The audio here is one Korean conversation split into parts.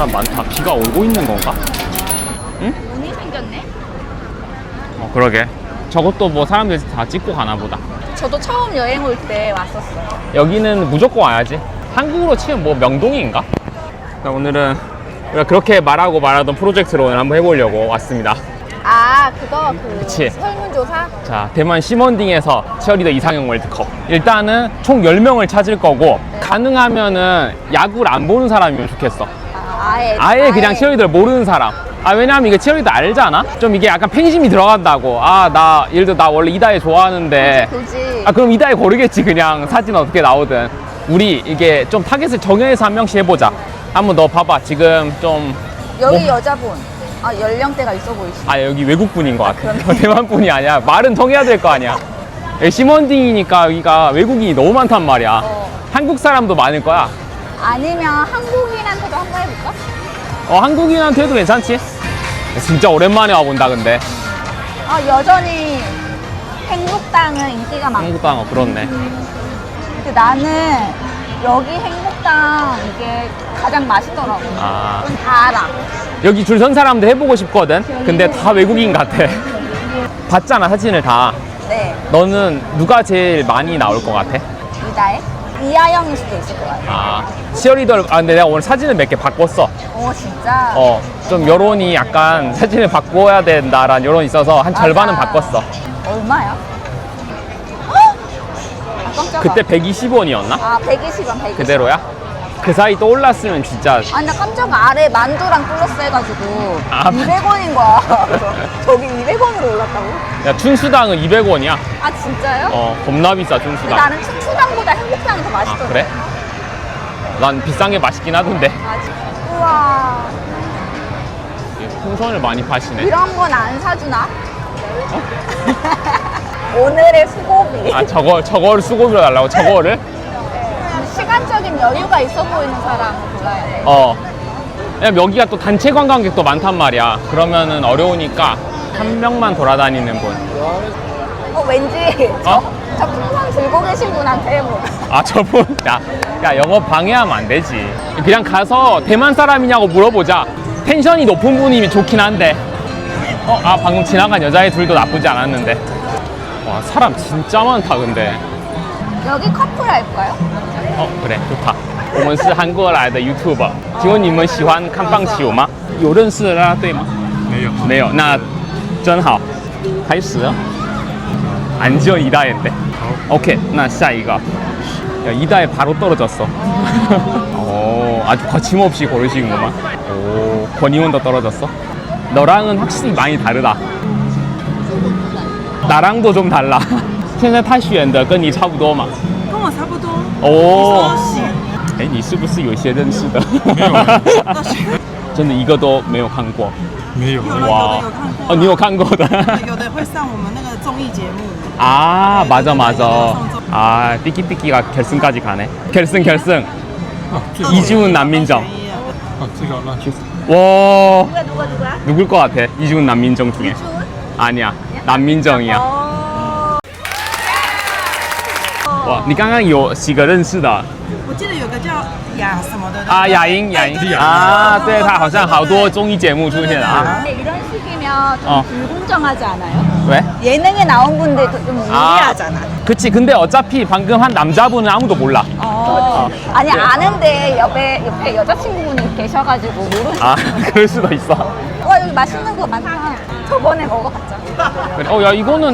사람 많다. 비가 오고 있는 건가? 응? 눈이 생겼네? 그러게. 저것도 뭐 사람들이 다 찍고 가나 보다. 저도 처음 여행 올 때 왔었어요. 여기는 무조건 와야지. 한국으로 치면 뭐 명동인가? 오늘은 우리가 그렇게 말하던 프로젝트로 오늘 한번 해보려고 왔습니다. 아, 그거 그치. 설문조사? 자, 대만 시먼딩에서 치어리더 이상형 월드컵. 일단은 총 10명을 찾을 거고, 가능하면은 야구를 안 보는 사람이면 좋겠어. 아예 그냥 치어리더를 모르는 사람. 왜냐면 이게 치어리더 알잖아? 좀 이게 약간 팬심이 들어간다고. 예를 들어 나 원래 이다혜 좋아하는데. 굳이. 그럼 이다혜 고르겠지, 그냥. 사진 어떻게 나오든. 우리 이게 좀 타겟을 정해서 한 명씩 해보자. 한번 너 봐봐. 지금 좀. 여기 여자분. 연령대가 있어 보이시네. 여기 외국분인 것 같아. 대만분이 아니야. 말은 통해야 될 거 아니야. 여기 시먼딩이니까 여기가 외국인이 너무 많단 말이야. 한국 사람도 많을 거야. 아니면 한국인한테도 한번 해볼까? 한국인한테 해도 괜찮지? 진짜 오랜만에 와본다, 근데. 여전히 행복당은 인기가 많고. 한국당, 그렇네. 근데 나는 여기 행복당 이게 가장 맛있더라고. 다 알아. 여기 줄 선 사람도 해보고 싶거든? 근데 다 외국인 같아. 봤잖아, 사진을 다. 네. 너는 누가 제일 많이 나올 것 같아? 이다혜? 이하영일 수도 있을 것 같아. 치어리더, 근데 내가 오늘 사진을 몇 개 바꿨어. 진짜? 좀 여론이 약간 사진을 바꿔야 된다라는 여론이 있어서 한 절반은 맞아. 바꿨어. 얼마야? 깜짝아. 그때 120원이었나? 120원. 그대로야? 그 사이 또 올랐으면 진짜. 나 깜짝아. 아래 만두랑 플러스 해가지고 200원인 거야. 그래서 저기 200원으로 올랐다고? 야, 춘수당은 200원이야. 진짜요? 겁나 비싸, 근데 춘수당. 나는 춘추당보다 행복당이 더 맛있더라고. 그래? 난 비싼 게 맛있긴 하던데. 우와. 풍선을 많이 파시네. 이런 건 안 사주나? 오늘의 수고비. 저거를 수고비로 달라고? 저거를? 시간적인 여유가 있어 보이는 사람을 골라야 돼. 왜냐면 여기가 또 단체 관광객도 많단 말이야. 그러면은 어려우니까 한 명만 돌아다니는 분. 왠지 저 풍선 들고 계신 분한테 해보. 저분? 야, 영업 방해하면 안 되지. 그냥 가서 대만 사람이냐고 물어보자. 텐션이 높은 분이면 좋긴 한데. 방금 지나간 여자애 둘도 나쁘지 않았는데. 와, 사람 진짜 많다, 근데. 여기 커플 할까요? 그래, 좋다. 我们是韩国来的 YouTuber， 请问你们喜欢看棒球吗？有认识的啦啦队吗？没有，那真好。开始了。안지원 이다혜인데. 오케이, 나下一个. 야, 이다혜 바로 떨어졌어. 아주 거침없이 고르시는구만. 권희원도 떨어졌어. 너랑은 확실히 많이 다르다. 나랑도 좀 달라. 现在他选的跟你差不多嘛？ 跟我差不多。 你是不是有一些认识的？ 没有， 真的一个都没有看过。 没有。有的有看过。 你有看过的？ 有的会上我们那个综艺节目。 맞아. 띠끼띠끼가 결승까지 가네. 결승. 이지훈 남민정. 와. 누가? 누굴 것 같아? 이지훈 남민정 중에. 아니야. 남민정이야. 와, 你刚刚有几个认识的？ 我记得有个叫雅什么的。 雅英。对，他好像好多综艺节目出现啊。 이런 식이면 좀 불공정하지 않아요? 왜? 예능에 나온 분들도 좀 무리하잖아. 그치. 근데 어차피 방금 한 남자분은 아무도 몰라. 아니 아는데 옆에 여자친구분이 계셔가지고 모르는. 그럴 수도 있어. 여기 맛있는 거 많다. 저번에 먹어봤잖아. 그래. 야, 이거는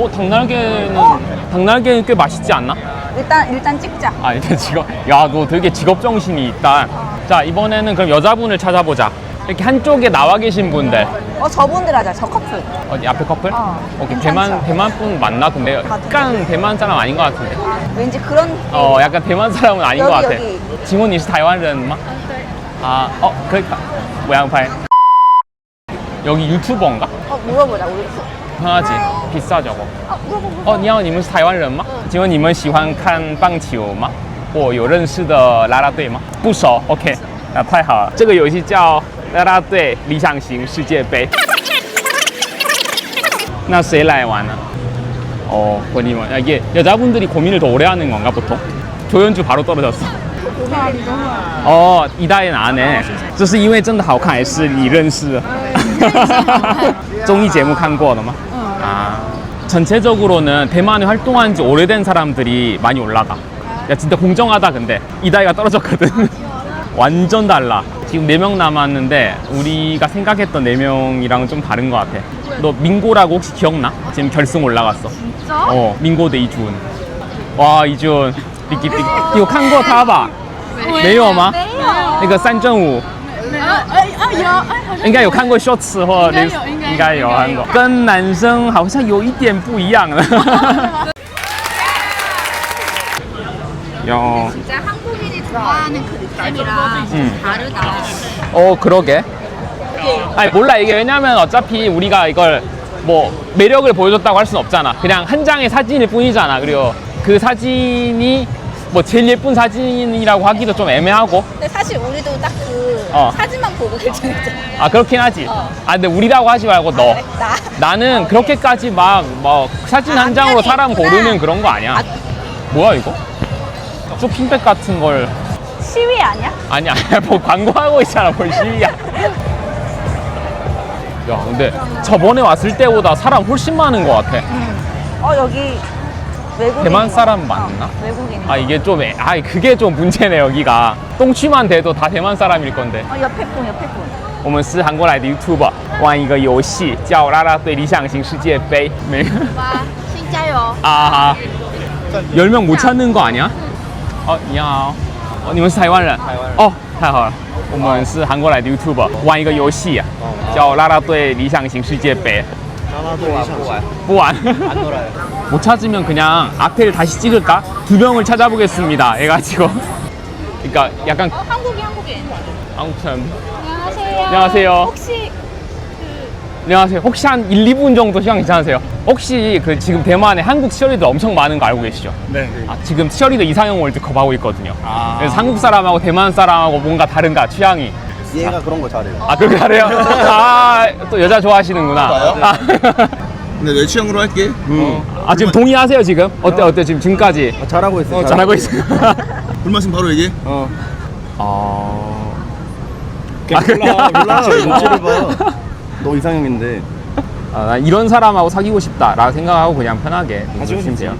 닭날개는 꽤 맛있지 않나? 일단 찍자. 일단 야, 너 되게 직업 정신이 있다. 자, 이번에는 그럼 여자분을 찾아보자. 이렇게 한쪽에 나와 계신 분들. 저분들 하자. 저 커플. 어디 앞에 커플? 오케이. 괜찮죠? 대만 분 맞나? 근데 약간 대만 사람 아닌 것 같은데. 왠지 그런. 약간 대만 사람은 아닌 것 같아. 여기. 请问你是台湾人吗? 그래. 모양파이. 여기 유튜버인가? 물어보자. 우리. 편하지. 비싸 저거. 물어보자. 你好，你们是台湾人吗？请问你们喜欢看棒球吗？或有认识的啦啦队吗？不熟。OK， 那太好了。这个游戏叫啦啦队理想型世界杯。那谁来玩呢？본인은 이게 여자분들이 고민을 더 오래 하는 건가 보통? 조연주 바로 떨어졌어. 哦，一代人안 해， 这是因为真的好看，还是你认识？综艺节目看过的吗？아, 전체적으로는 대만에 활동한 지 오래된 사람들이 많이 올라가. 야, 진짜 공정하다, 근데. 이다희가 떨어졌거든. 완전 달라. 지금 4명 남았는데, 우리가 생각했던 4명이랑은 좀 다른 것 같아. 너 민고라고 혹시 기억나? 지금 결승 올라갔어. 진짜? 민고 대 이준. 와, 이준. 삐끼삐끼. 이거 칸 거 다 봐. 没有吗？那个三正五。应该有看过 shorts 或应该有看过，跟男生好像有一点不一样了。요. 진짜 한국인이 좋아하는 그 느낌이랑 다르다. 그러게. 아니 몰라 이게 왜냐면 어차피 우리가 이걸 뭐 매력을 보여줬다고 할 수는 없잖아. 그냥 한 장의 사진일 뿐이잖아. 그리고 그 사진이 뭐 제일 예쁜 사진이라고 하기도 좀 애매하고. 근데 사실 우리도 딱 그 사진만 보고 결정했잖아. 아 그렇긴 하지. 아 근데 우리라고 하지 말고 너. 그래? 나는 그렇게까지 막 사진 한 장으로 사람 있구나. 고르는 그런 거 아니야. 뭐야 이거? 쇼핑백 같은 걸. 시위 아니야? 아니야 뭐 광고하고 있잖아 뭘 시위야. 야 근데 저번에 왔을 때보다 사람 훨씬 많은 것 같아. 여기 외국인. 대만 사람 맞나? 외국인. 아 이게 좀 그게 좀 문제네 여기가. 똥취만 돼도 다 대만 사람일 건데. 옆에 분. 我们是韩国来的 YouTuber， 玩一个游戏叫啦啦队理想型世界杯。没 와, 진짜요. 아 10명 못 찾는 거 아니야? 你好，你们是台湾人？台湾人。哦，太好了，我们是韩国来的 YouTuber， 玩一个游戏叫啦啦队理想型世界杯。 不玩. 안 놀아요. 못 찾으면 그냥 앞에를 다시 찍을까? 2명을 찾아보겠습니다. 해가지고. 그러니까 약간 한국인. 아무튼 안녕하세요. 안녕하세요. 혹시 안녕하세요. 혹시 한 1, 2분 정도 시간 괜찮으세요? 혹시 그 지금 대만에 한국 치어리더 엄청 많은 거 알고 계시죠? 네. 지금 치어리더 이상형 월드컵 하고 있거든요. 그래서 한국 사람하고 대만 사람하고 뭔가 다른가 취향이? 얘가 그런 거 잘해요. 아 그렇게 잘해요? 또 여자 좋아하시는구나. 근데 내 취향으로 할게. 지금 동의하세요 지금? 어때 지금까지? 잘하고 있어. 잘하고 있어요. 불맛은 바로 얘기해. 몰라. 눈치를 봐. 너 이상형인데. 난 이런 사람하고 사귀고 싶다라고 생각하고 그냥 편하게 해주시면 돼요.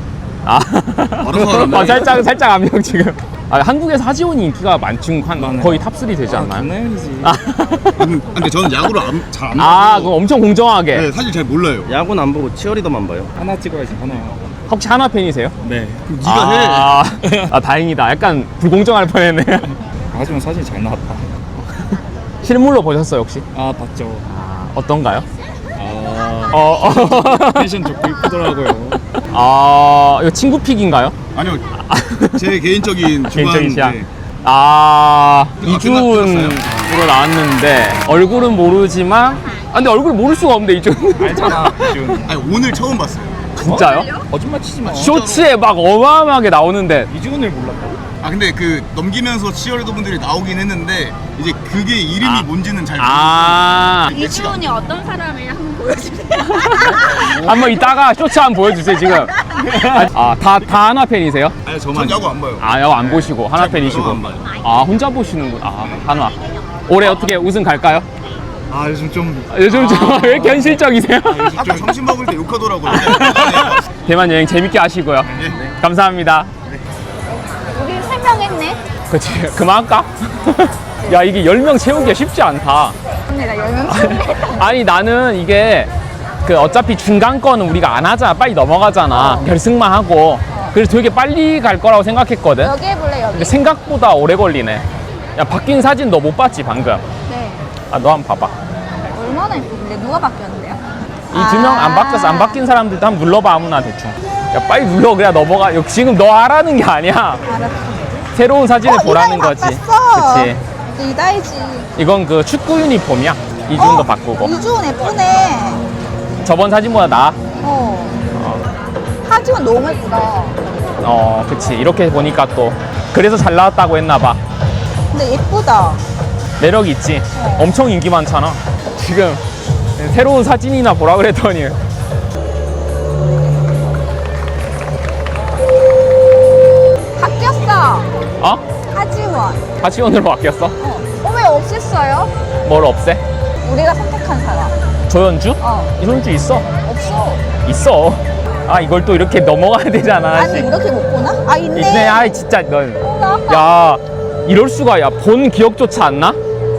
살짝 압력 지금. 한국에서 하지원이 인기가 많지 거의 탑3 되지 않나요? 장난이지. 근데 저는 야구를 잘 안 봐요. 그럼 엄청 공정하게. 네, 사실 잘 몰라요. 야구는 안 보고 치어리더만 봐요. 하나 찍어야지 하나. 혹시 하나 팬이세요? 네. 그럼 네가 해. 다행이다. 약간 불공정할 뻔했네. 하지만 사진이 잘 나왔다. 실물로 보셨어요 혹시? 봤죠. 어떤가요? 패션 좋고 이쁘더라고요. 이거 친구 픽인가요? 아니요. 제 개인적인 개인적인 취향. 좋아하는데. 이준으로 나왔는데 얼굴은 모르지만 근데 얼굴 모를 수가 없는데 이준. 알잖아. 이준. 아니 오늘 처음 봤어요. 진짜요? 거짓말 치지 마. 쇼츠에 막 어마어마하게 나오는데 이준을 몰랐다고? 근데 그 넘기면서 치어리더 분들이 나오긴 했는데 이제 그게 이름이 뭔지는 잘 이준이 어떤 사람을 한번 보여주세요. 한번 이따가 쇼츠 한번 보여주세요 지금. 다 하나 팬이세요? 아니 전 야구 안 봐요. 야구 안 보시고 하나 팬이시고. 안 봐요. 혼자 보시는구나. 하나. 올해 어떻게 우승 갈까요? 요즘 좀 요즘 왜 이렇게 현실적이세요? 아까 점심 먹을 때 욕하더라고요. 대만 여행 재밌게 하시고요. 감사합니다. 우리 3명 했네. 그치, 그만할까? 야, 이게 10명 채우기가 쉽지 않다. 언니가 10명 아니, 나는 이게 어차피 중간 거는 우리가 안 하잖아. 빨리 넘어가잖아. 결승만 하고. 그래서 되게 빨리 갈 거라고 생각했거든. 여기 해볼래 여기. 근데 생각보다 오래 걸리네. 야, 바뀐 사진 너 못 봤지, 방금? 네. 너 한번 봐봐. 얼마나 예쁜데 누가 바뀌었는데요? 이 2명 안 바뀌었어. 안 바뀐 사람들도 한번 눌러봐, 아무나 대충. 야, 빨리 눌러. 그래야 넘어가. 지금 너 하라는 게 아니야. 알았어. 새로운 사진을 보라는 거지. 바꿨어. 그치. 이다이지. 이건 그 축구 유니폼이야. 이준도 바꾸고. 이준 예쁘네. 저번 사진보다 나아. 하지원 너무 예쁘다. 그치. 이렇게 보니까 또. 그래서 잘 나왔다고 했나봐. 근데 예쁘다. 매력 있지. 엄청 인기 많잖아. 지금 새로운 사진이나 보라 그랬더니. 바뀌었어. 어? 하지원. 하치원원. 하치원으로 바뀌었어? 왜 없앴어요? 뭘 없애? 우리가 선택한 사람. 조연주? 조연주 있어? 없어. 있어. 아 이걸 또 이렇게 넘어가야 되잖아. 아니 하나씩. 이렇게 못 보나? 아 있네. 있네. 아이 진짜 넌. 나 아까 야 이럴 수가. 야 본 기억조차 안 나?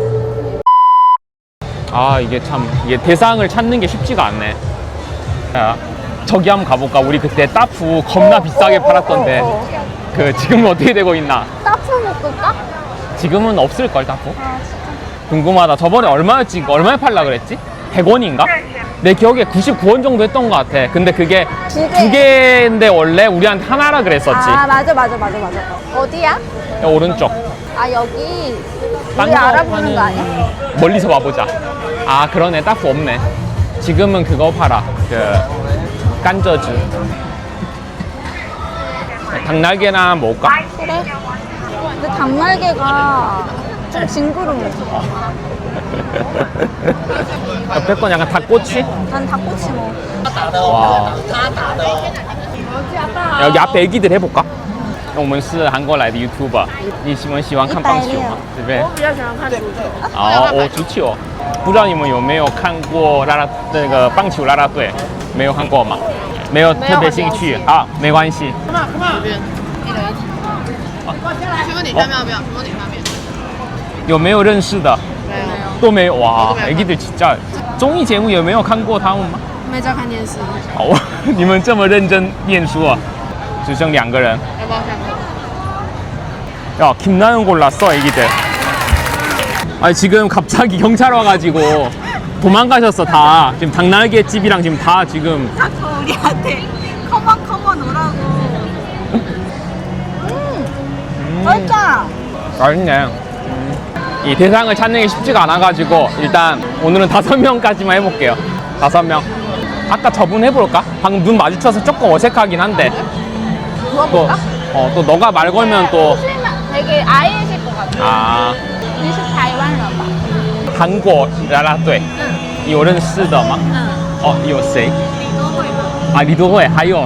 아 이게 참 이게 대상을 찾는 게 쉽지가 않네. 야 저기 한번 가볼까? 우리 그때 따프 겁나 비싸게 팔았던데 그 지금은 어떻게 되고 있나? 따프 먹을까? 지금은 없을걸 따프? 아 진짜. 궁금하다. 저번에 얼마였지? 얼마에 팔라 그랬지? 100원인가? 내 기억에 99원 정도 했던 것 같아. 근데 그게 두 개. 두 개인데 원래 우리한테 하나라 그랬었지. 아 맞아. 어디야? 야, 오른쪽. 아 여기 딴 우리 거 알아보는 거 파는- 아니야? 멀리서 와보자. 아 그러네. 따프 없네. 지금은 그거 팔아. 그 깐저주. 닭날개나 먹을까? 그래. 근데 닭날개가 좀 징그러워. 옆에 건 약간 닭꼬치? 난 닭꼬치 먹어. 와. 여기 앞에 애기들 해볼까? 我们是韩国来的 YouTuber，你喜欢看棒球吗？对不对？ 我比较喜欢看足球。 哦，足球，不知道你们有没有看过那个棒球啦啦队？没有看过吗？没有特别兴趣啊，没关系。 请问你下面要不要？请问你下面？ 有没有认识的？ 没有， 都没有哇，애기들 진짜综艺节目有没有看过他们吗？ 没在看电视， 哦，你们这么认真念书啊？只剩2个人。 要不要看？ 야, 김나연 골랐어, 애기들. 아니, 지금 갑자기 경찰 와가지고 도망가셨어, 다. 지금 닭날개 집이랑 지금 다 지금. 자꾸 우리한테 커먼 오라고. 맛있다. 맛있네. 이 대상을 찾는 게 쉽지가 않아가지고 일단 오늘은 5명까지만 해볼게요. 5명. 아까 저분 해볼까? 방금 눈 마주쳐서 조금 어색하긴 한데. 또, 또 너가 말 걸면 또. 되게 아이실 것 같아. 아, 你是台湾人吧？ 韩国啦啦队有认识的吗？哦，有谁？啊，李多惠，还有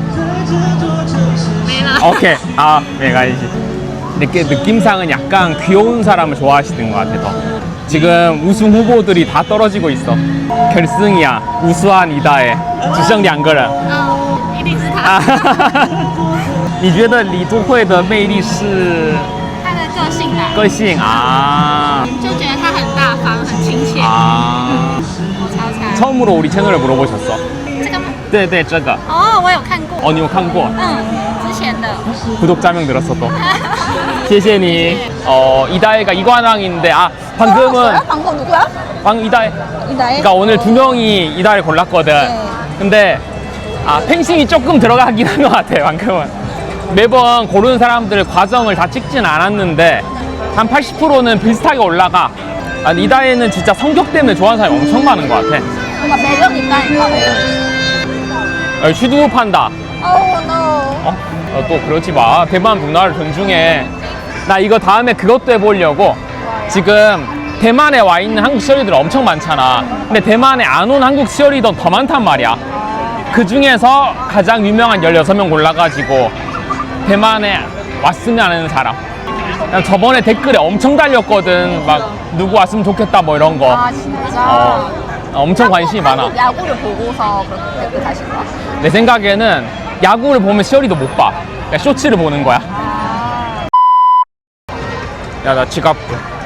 没了。 오케이. 아, 메가이지. 이렇게 느낌상은 약간 귀여운 사람을 좋아하시는 것 같아, 더. 지금 우승 후보들이 다 떨어지고 있어. 결승이야. 우수한 이다혜. 只剩2个人。 一定是他。 你觉得李多惠的魅力是他的个性吧， 个性啊？ 就觉得他很大方，很亲切。 아. 超猜。 처음으로 우리 채널을 물어보셨어. 这个吗？ 对对，这个。 哦，我有看过。 어, 你有看过？ 之前的。 구독자 명 늘었어 또. 谢谢你. 이다혜가 이관왕인데 방금은 방금 누구야? 이다혜. 이다혜? 그러니까 오늘 2명이 이다혜를 골랐거든. 네. 근데 펜싱이 조금 들어가긴 한 것 같아 방금은. 매번 고르는 사람들 과정을 다 찍진 않았는데 한 80%는 비슷하게 올라가. 이다혜는 진짜 성격 때문에 좋아하는 사람이 엄청 많은 것 같아. 뭔가 매력 있다니까. 슈드우 판다. Oh no. 또 그러지 마. 대만 문화를 존중해. 나 이거 다음에 그것도 해보려고. 지금 대만에 와 있는 한국 치어리들 엄청 많잖아. 근데 대만에 안 온 한국 치어리더 더 많단 말이야. 그 중에서 가장 유명한 16명 골라가지고 대만에 왔으면 하는 사람. 난 저번에 댓글에 엄청 달렸거든. 막 누구 왔으면 좋겠다 뭐 이런 거. 아 진짜. 엄청 관심이 많아. 한국 야구를 보고서 그렇게 댓글 다신 거야? 내 생각에는 야구를 보면 시어리도 못 봐. 그냥 쇼츠를 보는 거야. 야, 나 지갑.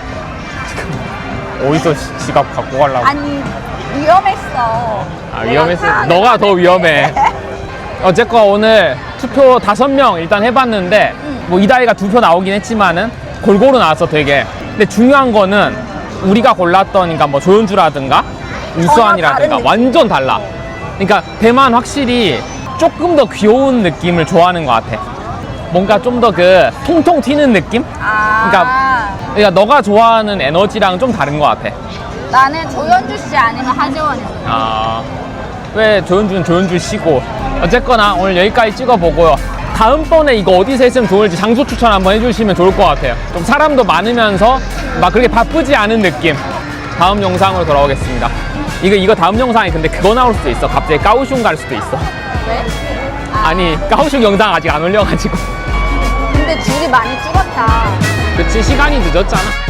어디서 지갑 갖고 가려고. 아니 위험했어. 위험했어. 내가 너가 더 위험해. 어쨌건 오늘 투표 5명 일단 해봤는데 뭐 이다희가 2표 나오긴 했지만은 골고루 나왔어 되게. 근데 중요한 거는 우리가 골랐던 그러니까 뭐 조연주라든가 우수한이라든가 다른 완전 달라. 그러니까 대만 확실히 조금 더 귀여운 느낌을 좋아하는 것 같아. 뭔가 좀 더 그 통통 튀는 느낌? 그러니까 너가 좋아하는 에너지랑 좀 다른 것 같아. 나는 조연주 씨 아니면 하재원이야. 왜 조연주는 조연주 씨고. 어쨌거나 오늘 여기까지 찍어보고요. 다음번에 이거 어디서 했으면 좋을지 장소 추천 한번 해주시면 좋을 것 같아요. 좀 사람도 많으면서 막 그렇게 바쁘지 않은 느낌. 다음 영상으로 돌아오겠습니다. 이거 다음 영상이 근데 그거 나올 수도 있어. 갑자기 까오슝 갈 수도 있어. 왜? 아니 까오슝 영상 아직 안 올려가지고. 근데 둘이 많이 찍었다. 그치, 시간이 늦었잖아.